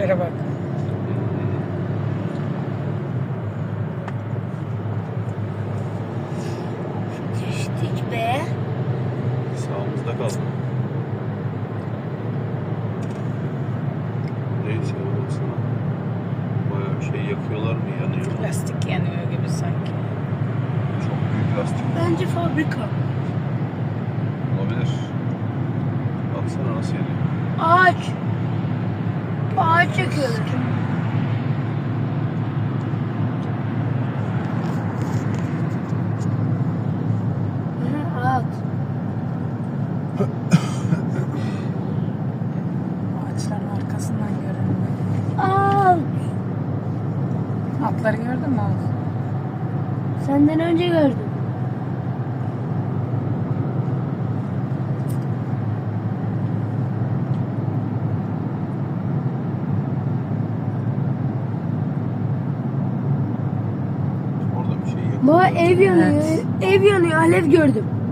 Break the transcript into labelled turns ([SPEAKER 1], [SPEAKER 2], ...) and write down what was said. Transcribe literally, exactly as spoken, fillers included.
[SPEAKER 1] tiplere bak.
[SPEAKER 2] Geçtik be.
[SPEAKER 3] Sağımızda kaldı. Neyse baksana. Bayağı şey yakıyorlar mı? Yanıyor mu?
[SPEAKER 1] Lastik yanıyor gibi sanki.
[SPEAKER 3] Çok büyük lastik
[SPEAKER 2] Bence fabrika.
[SPEAKER 3] olabilir. Baksana nasıl yanıyor.
[SPEAKER 2] Ağaç. Ağaç yakıyorlar. Hı, at.
[SPEAKER 1] Ağaçların arkasından görünüyor.
[SPEAKER 2] Al.
[SPEAKER 1] Atları gördün mü Oğuz?
[SPEAKER 2] Senden önce gördüm.
[SPEAKER 3] Orada bir şey yakıyor.
[SPEAKER 2] Baba ev yanıyor.
[SPEAKER 1] Evet.
[SPEAKER 2] Ev yanıyor. Alev gördüm.